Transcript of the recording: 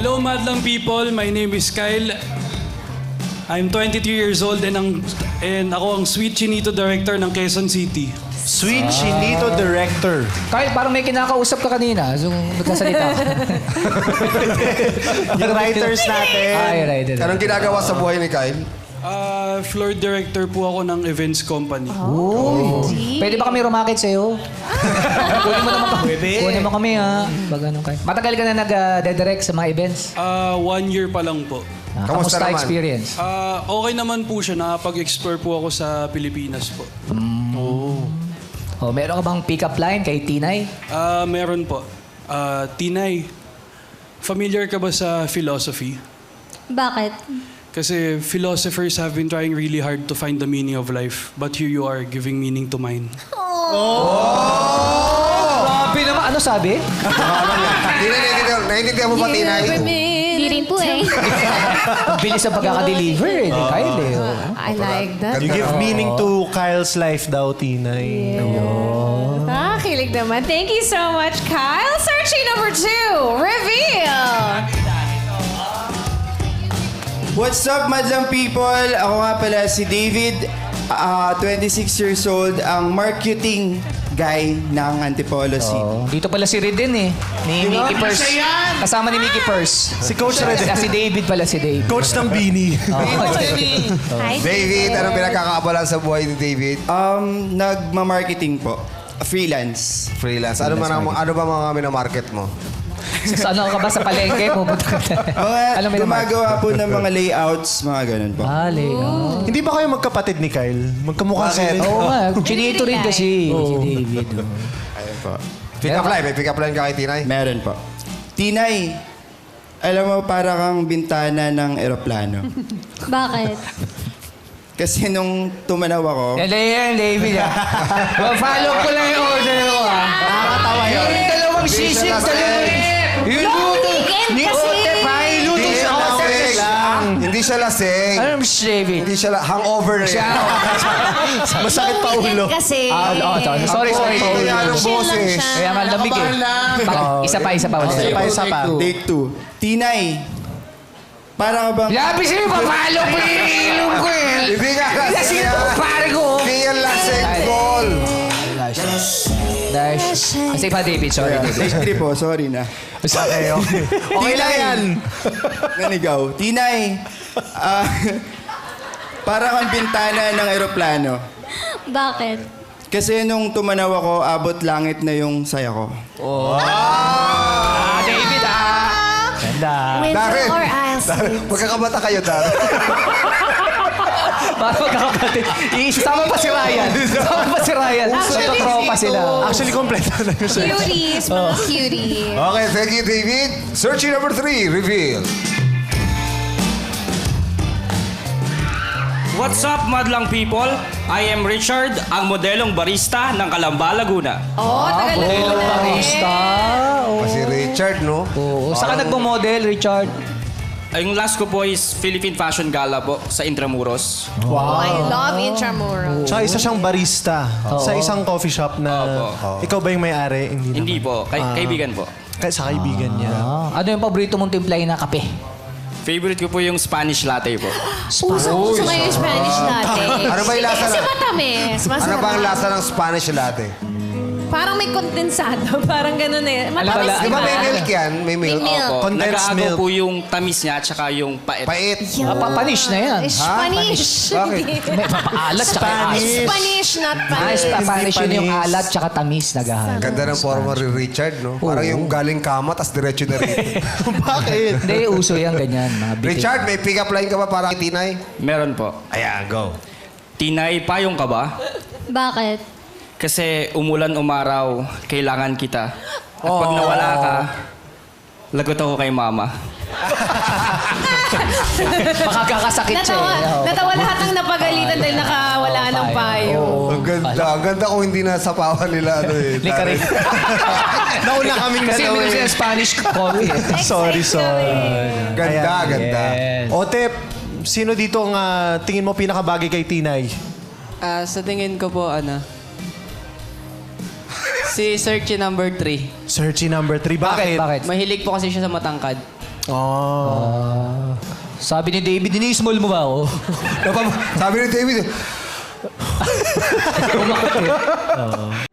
Hello, Madlang people. My name is Kyle. I'm 23 years old and ako ang Sweet Chinito Director ng Quezon City. Sweet Chinito Director. Kyle, parang may kinakausap ka kanina. So, nagkasalita ka. Yung writers natin. Ay, right. Anong ginagawa sa buhay ni Kyle? Floor director po ako ng events company. Pwede ba kami rumakit sa'yo? Kunin mo naman kami. Kunin mo kami, ha? Pag anong kayo. Matagal ka na nag-direct sa mga events? 1 year pa lang po. Kamusta naman? experience? Okay naman po siya. Nakapag-explore po ako sa Pilipinas po. Meron ka bang pick-up line kay Tinay? Meron po. Tinay, familiar ka ba sa philosophy? Bakit? Kasi philosophers have been trying really hard to find the meaning of life. But here you are, giving meaning to mine. Grabe naman. Ano sabi? Naiintindihan mo ba, Tinay? Hindi rin po eh. Ang bilis sa pagkaka-deliver eh. Ni Kyle eh. I like that. You give meaning to Kyle's life daw, Tinay. Kilig naman. Thank you so much, Kyle. Searching number 2. Reveal! What's up, madlang people? Ako nga pala si David, 26 years old, ang marketing guy ng Antipolo City. Dito pala si Redin eh. Ni Mickey Purse. Kasama ni Mickey Purse. Si Coach Red. Si David pala si David. Coach ng Bini. Hi, David, anong pinagkakaabalan sa buhay ni David? Nagma-marketing po. Freelance. Freelance. Ano ba mga minamarket mo? Sa ano ka ba sa palengke? Pupunta ka na. Gumagawa po ng mga layouts, mga ganun po. Hindi ba kayo magkapatid ni Kyle? Magkamukha sila. Oo nga. Chinito rin kasi. Si David. Ayun po. Pick-up line. May pick-up line ka kay Tinay? Meron po. Tinay, alam mo, para kang bintana ng eroplano. Bakit? Kasi nung tumanaw ako, Yan, David ah. Follow ko lang yung order ko ah. Nakakatawa yun. Yung dalawang sisig, dalawang... Yung weekend kasi. Hindi siya lasing. Ano mo si David? Hindi siya hangover na yan. Masakit pa ulo. Kasi. Sorry. Anong boses? Kaya nga lamig eh. Isa pa. Isa pa. take 2. Tinay, para ka bang... Labi sa'yo, papalo ko yung ilong ko eh. Hindi nga lasing Lasing yan. ito, pare ko. Hindi yan lasing, Paul. Kasi pa, David. Sorry, David. Take 3 po, sorry na. Okay. Okay lang yan. Ganigaw. Tinay, para kang bintana ng eroplano. Bakit? Kasi nung tumanaw ako, abot langit na yung saya ko. David Ganda. Darin. Winter or I'll Darin. Magkakabata kayo, Darin. Para magkakapatid. Isama pa si Ryan. Nagtotropa sila. Actually, kompleto na yung search. Cuties, mga cuties. Okay, thank you, David. Searching number 3, reveal. What's up, madlang people? I am Richard, ang modelong barista ng Calamba, Laguna. Tagal na Barista. Si Richard, no? Oo. Saan ka nagpo-model, Richard? Yung last ko po is Philippine Fashion Gala po sa Intramuros. I love Intramuros. Tsaka isa siyang barista sa isang coffee shop na... Ikaw ba yung may-ari? Hindi po, kaibigan po. Sa kaibigan niya. Ano yung paborito mong timplahin na kape? Favorite ko po yung Spanish latte po. Puso ngayon yung Spanish latte. Ano ba yung lasa Kasi na- matamis. Ano Masarap. ba ang lasa ng Spanish latte? Parang may kondensado. Parang ganun eh. Matamis, Alam Di di ba ba? may milk yan? May milk? May milk. Opo, Condensed nag-aagaw milk. po yung tamis niya at saka yung pait. Pait. Panish na yan. Spanish. Bakit? May papaalat tsaka Spanish, not Nice, Spanish. papanish yun yung Panis. alat tsaka tamis na gahal. Ganda ng forma ni Richard, no? Parang yung galing kama, tas diretso na rin. Bakit? Hindi, uso yan, ganyan. Mga bitin. Richard, may pick-up line ka ba para kay Tinay? Meron po. Ayan, go. Tinay, payong ka ba? Bakit? Kasi umulan umaraw, kailangan kita. At pag nawala ka, lagot ako kay mama. Makakakasakit siya eh. Natawa lahat ng napagalitan dahil nakawala ng payo. Ang ganda. Ang ganda kung hindi nasa pawan nila. Ano, eh. Lika rin. Nauna kaming Kasi dalawa uminom eh. siya ng Spanish coffee eh. Sorry. Ganda, ganda. Otep, sino dito ang tingin mo pinakabagay kay Tinay? Sa tingin ko po, si Searchy number 3. Searchy number 3. Bakit? Bakit? Mahilig po kasi siya sa matangkad. Sabi ni David, ini-small mo ba ako? Sabi ni David, Umakot eh.